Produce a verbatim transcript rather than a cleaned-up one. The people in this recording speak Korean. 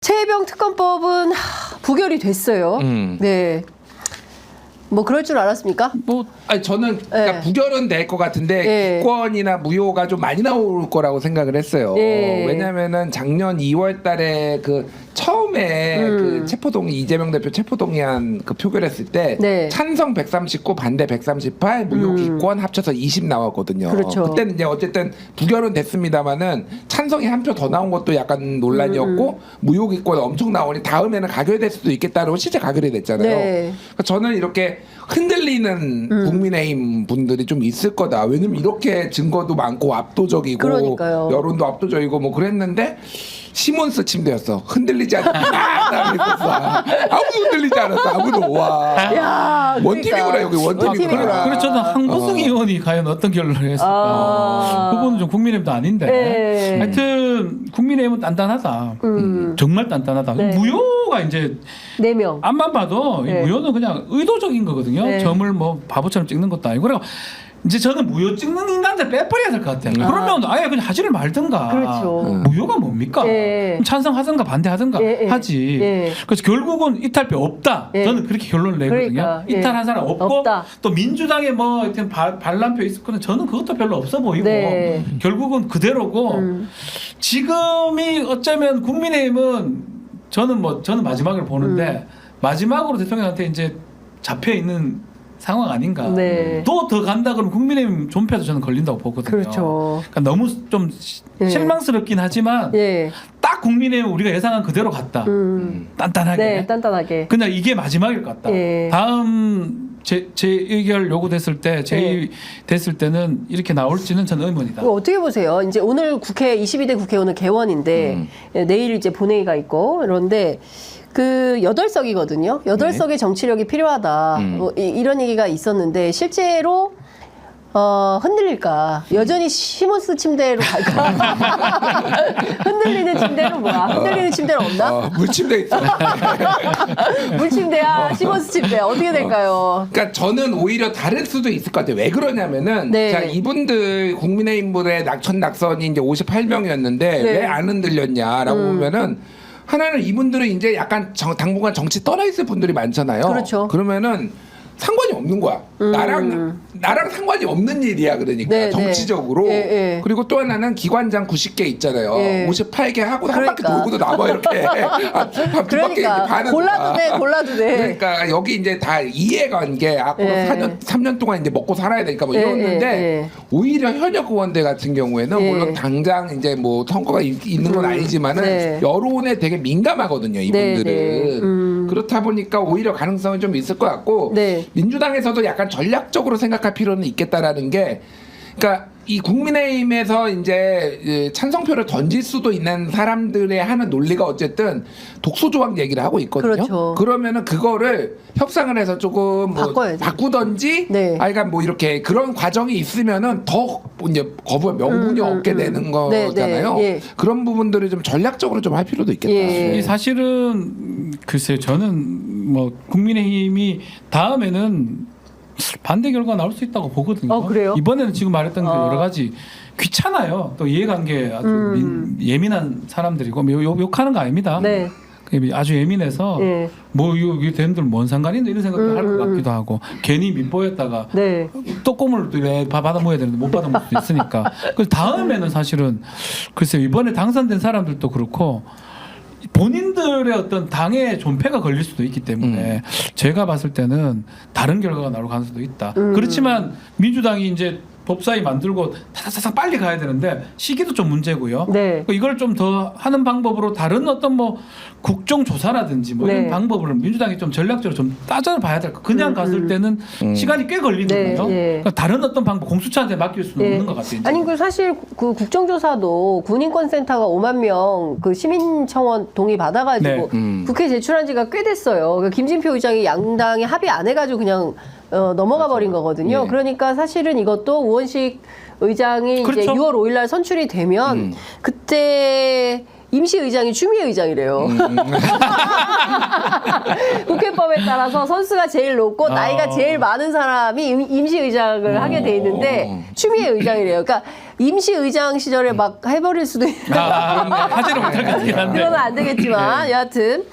최혜병 특검법은 하, 부결이 됐어요. 음. 네. 뭐 그럴 줄 알았습니까? 뭐 아니 저는 그러니까 네. 부결은 될 것 같은데 네. 기권이나 무효가 좀 많이 나올 거라고 생각을 했어요. 네. 왜냐면은 작년 이월 달에 그 처음에 음. 그 체포동의 이재명 대표 체포동의안 그 표결했을 때 네. 찬성 백삼십구 반대 백삼십팔 무효 음. 기권 합쳐서 이십 나왔거든요. 그렇죠. 그때는 이제 어쨌든 부결은 됐습니다만은 찬성이 한 표 더 나온 것도 약간 논란이었고 음. 무효 기권 엄청 나오니 다음에는 가결될 수도 있겠다고 실제 가결이 됐잖아요. 네. 그러니까 저는 이렇게 흔들리는 음. 국민의힘 분들이 좀 있을 거다. 왜냐면 이렇게 증거도 많고 압도적이고 그러니까요. 여론도 압도적이고 뭐 그랬는데 시몬스 침대였어. 흔들리지 않았어. 아무도 흔들리지 않았어. 아무도. 와. 야, 원팀이구나 여기 원팀이구나. 원팀이구나. 그래서 저는 한고승 어. 의원이 과연 어떤 결론을 했을까? 아. 그분은 좀 국민의힘도 아닌데. 네. 하여튼 국민의힘은 단단하다. 음. 정말 단단하다. 네. 무효가 이제 네 명. 앞만 봐도 이 네. 무효는 그냥 의도적인 거거든요. 네. 점을 뭐 바보처럼 찍는 것도 아니고. 그래서 이제 저는 무효 찍는 인간들 빼버려야 될 것 같아요. 음. 그러면 아예 그냥 하지를 말든가. 그렇죠. 음. 무효가 뭡니까? 네. 찬성하든가 반대하든가 네, 네. 하지. 네. 그래서 결국은 이탈표 없다. 네. 저는 그렇게 결론을 내거든요. 그러니까, 네. 이탈한 사람 없고 없다. 또 민주당에 뭐 하여튼 바- 반란표 있을 거는 저는 그것도 별로 없어 보이고 네. 결국은 그대로고 음. 지금이 어쩌면 국민의힘은 저는 뭐 저는 마지막을 보는데 음. 마지막으로 대통령한테 이제 잡혀 있는 상황 아닌가. 네. 또 더 간다 그러면 국민의힘 존폐도 저는 걸린다고 보거든요. 그렇죠. 그러니까 너무 좀 시- 네. 실망스럽긴 하지만 예. 딱 국민의힘 우리가 예상한 그대로 갔다. 음. 단단하게. 네, 단단하게. 그냥 이게 마지막일 것 같다. 예. 다음 재, 재의결 요구됐을 때 재의 됐을 때는 이렇게 나올지는 저는 의문이다. 이거 어떻게 보세요? 이제 오늘 국회 이십이 대 국회의원은 개원인데 음. 예, 내일 이제 본회의가 있고 그런데 그 여덟 석이거든요. 여덟 석의 정치력이 필요하다. 음. 뭐 이, 이런 얘기가 있었는데 실제로 어, 흔들릴까? 여전히 시몬스 침대로 갈까? 흔들리는 침대는 뭐야? 흔들리는 침대는 없나? 어, 물침대 있어. 물침대야, 시몬스 침대야. 어떻게 될까요? 그러니까 저는 오히려 다를 수도 있을 것 같아요. 왜 그러냐면은 네. 자 이분들 국민의힘분의 낙천 낙선이 이제 오십팔 명이었는데 네. 왜 안 흔들렸냐라고 음. 보면은 하나는 이분들은 이제 약간 정, 당분간 정치 떠나 있을 분들이 많잖아요. 그렇죠. 그러면은 상관이 없는 거야. 음. 나랑 나랑 상관이 없는 일이야. 그러니까 네, 정치적으로. 네. 예, 예. 그리고 또 하나는 기관장 구십 개 있잖아요. 예. 오십팔 개 하고 한 바퀴 그러니까. 돌고도 남아 이렇게. 아, 두 바퀴 그러니까 이렇게 반은 골라도 거야. 돼, 골라도 돼. 그러니까 여기 이제 다 이해관계 앞으로 예. 사 년, 삼 년 동안 이제 먹고 살아야 되니까 뭐 예, 이러는데 예, 예. 오히려 현역 의원들 같은 경우에는 예. 물론 당장 이제 뭐 선거가 있, 있는 건 음, 아니지만은 네. 여론에 되게 민감하거든요 이분들은. 네, 네. 음. 그렇다 보니까 오히려 가능성이 좀 있을 것 같고 네. 민주당에서도 약간 전략적으로 생각할 필요는 있겠다라는 게 그러니까 이 국민의힘에서 이제 찬성표를 던질 수도 있는 사람들의 하는 논리가 어쨌든 독소조항 얘기를 하고 있거든요. 그렇죠. 그러면은 그거를 협상을 해서 조금 뭐 바꿔야죠. 바꾸던지, 네. 아, 그러니까 뭐 이렇게 그런 과정이 있으면은 더 이제 거부의 명분이 음, 음, 없게 음. 되는 네, 거잖아요. 네, 예. 그런 부분들을 좀 전략적으로 좀 할 필요도 있겠다. 예. 이 사실은 글쎄요, 저는 뭐 국민의힘이 다음에는 반대 결과가 나올 수 있다고 보거든요. 어, 그래요? 이번에는 지금 말했던 그 아. 여러 가지 귀찮아요. 또 이해관계 아주 음. 민, 예민한 사람들이고 뭐 욕, 욕하는 거 아닙니다. 네. 아주 예민해서 예. 뭐 이거 되는들 뭔 상관인데 이런 생각도 음, 할 것 음, 같기도 하고 괜히 민보였다가 네. 또 꿈을 왜 받아 먹어야 되는데 못 받아 먹을 수도 있으니까. 그 다음에는 사실은 글쎄 이번에 당선된 사람들도 그렇고 본인들의 어떤 당의 존폐가 걸릴 수도 있기 때문에 음. 제가 봤을 때는 다른 결과가 나올 가능성도 있다. 음. 그렇지만 민주당이 이제 법사위 만들고 타타타타 빨리 가야 되는데 시기도 좀 문제고요. 네. 이걸 좀 더 하는 방법으로 다른 어떤 뭐 국정조사라든지 뭐 네. 이런 방법을 민주당이 좀 전략적으로 좀 따져봐야 될 거. 그냥 음, 갔을 음. 때는 음. 시간이 꽤 걸리거든요. 네, 예. 그러니까 다른 어떤 방법, 공수처한테 맡길 수는 예. 없는 것 같아요. 이제. 아니 그 사실 그 국정조사도 군인권센터가 오만 명 그 시민청원 동의 받아가지고 네. 음. 국회 제출한 지가 꽤 됐어요. 그러니까 김진표 의장이 양당이 합의 안 해가지고 그냥 어, 넘어가 버린 거거든요. 예. 그러니까 사실은 이것도 우원식 의장이 이제 그렇죠. 유월 오일 날 선출이 되면 음. 그때 임시의장이 추미애의장이래요. 국회법에 따라서 선수가 제일 높고 아. 나이가 제일 많은 사람이 임- 임시의장을 하게 돼 있는데 추미애의장이래요. 그러니까 임시의장 시절에 막 해버릴 수도 있는 아, 하지는 못할 것 같긴 한데. 그건 안 되겠지만 여하튼